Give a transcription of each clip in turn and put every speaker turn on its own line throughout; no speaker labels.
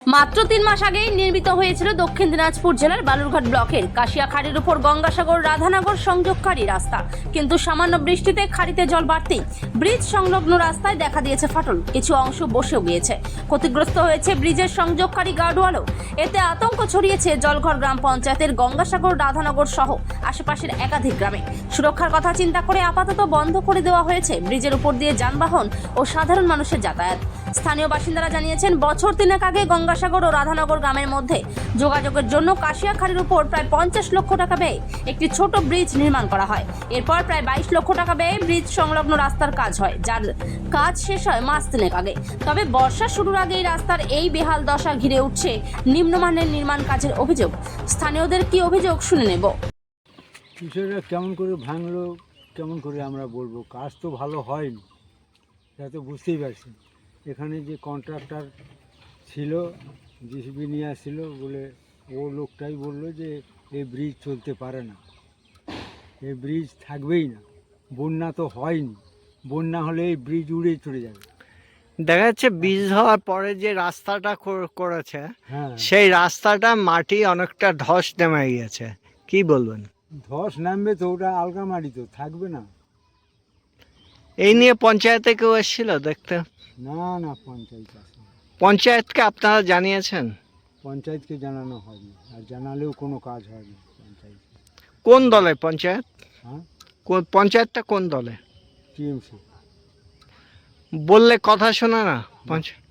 মাত্র 3 মাস আগেই নির্মিত হয়েছিল দক্ষিণ দিনাজপুর জেলার বালুরঘাট ব্লকের কাশিয়াখাড়ির উপর গঙ্গাসাগর রাধানগর সংযোগকারী রাস্তা, কিন্তু সামান্য বৃষ্টিতে খাড়িতে জল বাড়তেই ব্রিজ সংলগ্ন রাস্তায় দেখা দিয়েছে ফাটল, কিছু অংশ বসেও গিয়েছে। ক্ষতিগ্রস্ত হয়েছে ব্রিজের সংযোগকারী গার্ডওয়ালও। এতে আতঙ্ক ছড়িয়েছে জলঘর গ্রাম পঞ্চায়েতের গঙ্গাসাগর রাধানগর সহ আশেপাশের একাধিক গ্রামে। সুরক্ষার কথা চিন্তা করে আপাতত বন্ধ করে দেওয়া হয়েছে ব্রিজের উপর দিয়ে যানবাহন ও সাধারণ মানুষের যাতায়াত। স্থানীয় বাসিন্দারা জানিয়েছেন, বছর 3 আগে গঙ্গাসাগর ও রাধানগর গ্রামের মধ্যে যোগাযোগের জন্য কাশিয়াখাড়ির উপর প্রায় 50 লক্ষ টাকা ব্যয়ে একটি ছোট ব্রিজ নির্মাণ করা হয়। এরপর প্রায় 22 লক্ষ টাকা ব্যয়ে ব্রিজ সংলগ্ন রাস্তার কাজ হয়, যার কাজ শেষ হয় মাস 3 আগে। তবে বর্ষা শুরুর আগেই রাস্তার এই বেহাল দশা ঘিরে উঠছে নিম্নমানের নির্মাণ কাজের অভিযোগ। স্থানীয়দের কি অভিযোগ শুনে নেব।
বিষয়টা কেমন করে ভাঙলো, কেমন করে আমরা বলবো? কাজ তো ভালো হয়নি, সেটা তো বুঝতেই পারছি। এখানে যে কন্ট্রাক্টর ছিল, জিসিবি নিয়ে আসছিল বলে, ও লোকটাই বললো যে এই ব্রিজ চলতে পারে না, এই ব্রিজ থাকবেই না। বন্যা তো হয়নি, বন্যা হলে এই ব্রিজ উড়ে চলে যাবে।
দেখা যাচ্ছে ব্রিজ হওয়ার পরে যে রাস্তাটা করেছে,
হ্যাঁ,
সেই রাস্তাটা মাটি অনেকটা ধস নেমে গিয়েছে, কি বলবেন?
ধস নামবে তো, ওটা আলগা মাটি তো থাকবে না।
এই নিয়ে পঞ্চায়েতে কেউ এসেছিল দেখতে?
না না, পঞ্চায়েত আসে,
পঞ্চায়েতকে আপনারা জানিয়েছেন?
পঞ্চায়েতকে জানানো হয়নি, আর জানালেও কোনো কাজ হয়নি। পঞ্চায়েত
কোন দলে পঞ্চায়েত?
হ্যাঁ,
পঞ্চায়েতটা কোন দলে?
টিএমসি।
বললে কথা শোনে না পঞ্চায়েত?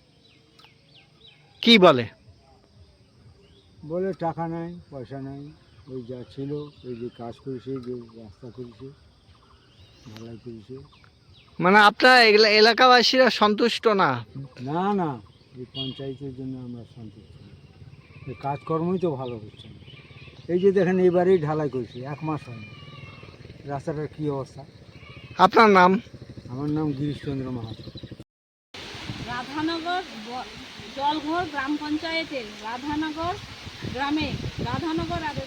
কি বলে?
বলে টাকা নাই, পয়সা নাই, ওই যা ছিল, ওই যে কাজ করেছে, যে রাস্তা করেছে, ঢালাই করেছে।
মানে আপনারা এলাকাবাসীরা সন্তুষ্ট না?
না না, এই পঞ্চায়েতের জন্য আমরা সন্তুষ্ট না। এই কাজকর্মই তো ভালো হচ্ছে না। এই যে দেখেন, এবারেই ঢালাই করেছে, 1 মাস হয়নি। রাস্তাটার কী অবস্থা?
আপনার নাম?
আমার নাম গিরিশচন্দ্র মাহাতো।
রাধানগর জলঘর গ্রাম পঞ্চায়েতের রাধানগর গ্রামে রাধানগর আর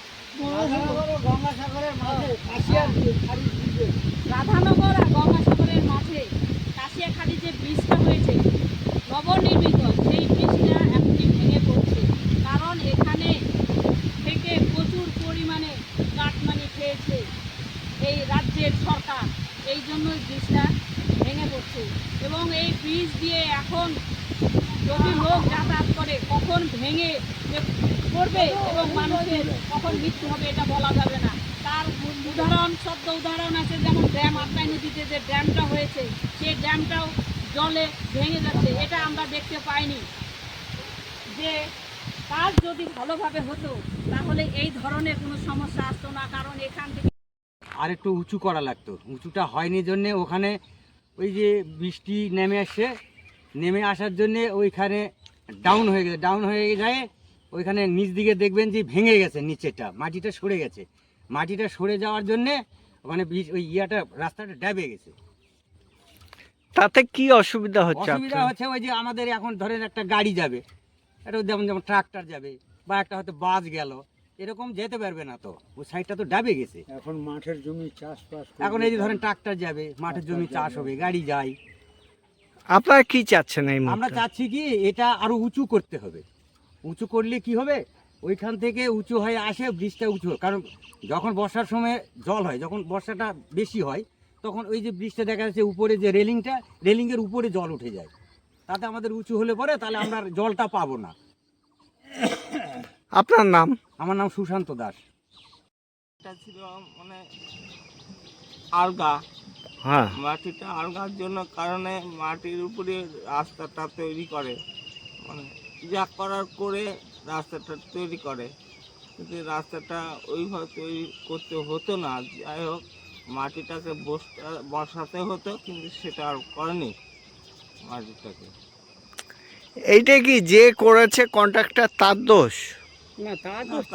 রাধানগর আর গঙ্গাসাগরের মাঝে কাশিয়াখাড়ি যে ব্রিজটা হয়েছে নবনির্মিত, সেই ব্রিজটা এখনই ভেঙে পড়ছে। কারণ এখানে থেকে প্রচুর পরিমাণে কাটমানি খেয়েছে এই রাজ্যের সরকার, এই জন্য ব্রিজটা ভেঙে পড়ছে। এবং এই ব্রিজ দিয়ে এখন যদি লোক যাতায়াত করে, কখন ভেঙে যে পড়বে এবং মানুষের কখন মৃত্যু হবে এটা বলা যাবে না। তার সদ্য উদাহরণ আছে, যেমন ড্যাম আটলাই নদীতে যে ড্যামটা হয়েছে, সেই ড্যামটাও জলে ভেঙে যাচ্ছে। এটা আমরা দেখতে পাইনি। যে কাজ যদি ভালোভাবে হতো তাহলে এই ধরনের কোনো সমস্যা আসতো না। কারণ এখান থেকে
আর একটু উঁচু করা লাগতো, উঁচুটা হয়নি জন্যে ওখানে ওই যে বৃষ্টি নেমে আসার জন্যে ওইখানে ডাউন হয়ে যায়। ওইখানে নিচ দিকে দেখবেন যে ভেঙে গেছে, নিচেটা মাটিটা সরে গেছে। মাটিটা সরে যাওয়ার জন্যে ওখানে ওই রাস্তাটা ড্যাবে গেছে।
তাতে কি অসুবিধা হচ্ছে?
অসুবিধা হচ্ছে ওই যে আমাদের এখন ধরেন একটা গাড়ি যাবে, এটা যেমন ট্রাক্টর যাবে বা একটা হয়তো বাস গেল, এরকম যেতে পারবে না, তো ওই সাইডটা তো ডাবে গেছে।
এখন মাঠের জমি চাষবাস,
এখন এই যে ধরেন ট্রাক্টর যাবে, মাঠের জমি চাষ হবে, গাড়ি যায়।
আপনারা কি চাচ্ছেন এই
আমরা
মুহূর্তে?
চাচ্ছি কি, এটা আরো উঁচু করতে হবে। উঁচু করলে কি হবে, ওইখান থেকে উঁচু হয়ে আসে, ব্রিজটা উঁচু। কারণ যখন বর্ষার সময় জল হয়, যখন বর্ষাটা বেশি হয়, তখন ওই যে ব্রিজটা দেখা যাচ্ছে উপরে যে রেলিংয়ের উপরে জল উঠে যায়। তাতে আমাদের উঁচু হলে পরে তাহলে আমরা জলটা পাবো না।
আপনার নাম?
আমার নাম সুশান্ত দাস।
এটা ছিল মানে আলগা,
হ্যাঁ,
মাটিটা আলগার জন্য কারণে মাটির উপরে রাস্তাটা তৈরি করে, মানে যা করার করে রাস্তাটা তৈরি করে, কিন্তু রাস্তাটা ওইভাবে তৈরি করতে হতো না। যাই হোক, মাটিটাকে বসাতে হতো, কিন্তু সেটা আর করেনি মাটিটাকে।
এইটা কি যে করেছে কন্ট্রাক্টর তার দোষ?
না, তার দোষ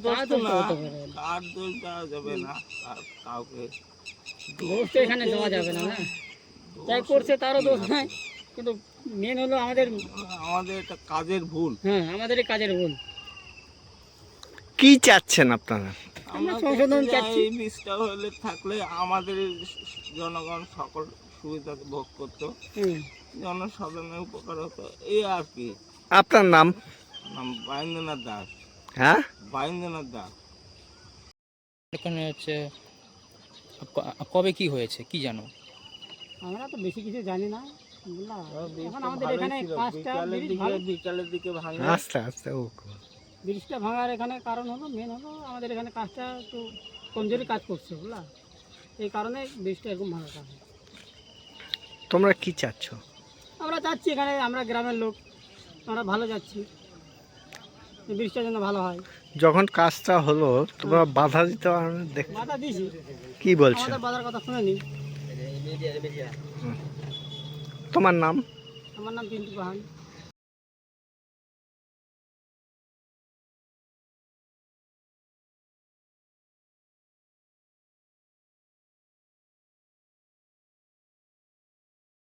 দেওয়া যাবে না কাউকে,
দোষ তো এখানে দেওয়া যাবে না। না, যাই করছে তারও দোষ নাই, কিন্তু মেন হলো আমাদের
এটা কাজের ভুল।
হ্যাঁ, আমাদের এই কাজের ভুল।
কি চাচ্ছেন আপনারা?
আমরা সংশোধন চাচ্ছি।
এই বীজটা হলে থাকলে আমাদের জনগণ সকল সুবিধা ভোগ করতো, জনসাধারণের উপকার হতো, এই আর কি।
আপনার নাম?
নাম বায়ন্দ্রনাথ দাস।
হ্যাঁ,
বায়ন্দ্রনাথ দাস।
এখানে হচ্ছে কবে কি হয়েছে কি জানো?
আমরা তো বেশি কিছু জানি না বুঝলা। এখন আমাদের
ভালোই
এখানে
ছিল,
কাজটা
বিকালের দিকে ভাঙে।
আস্তে আস্তে ও
ব্রিজটা ভাঙার এখানে কারণ হলো, মেন হলো আমাদের এখানে কাজটা একটু কমজোরি কাজ করছে বুঝলা, এই কারণে ব্রিজটা এরকম ভাঙার কারণ।
তোমরা কি চাচ্ছ?
আমরা চাচ্ছি এখানে, আমরা গ্রামের লোক, আমরা ভালো যাচ্ছি, এই ব্রিজটার জন্য ভালো হয়।
যখন কাজটা হলো তোমরা বাধা দিতে দেখ
বাধা দিয়েছি,
কি বলছো?
আমাদের বাধার কথা শুনেনি।
তোমার নাম?
আমার নাম পিন্টু পাহাড়।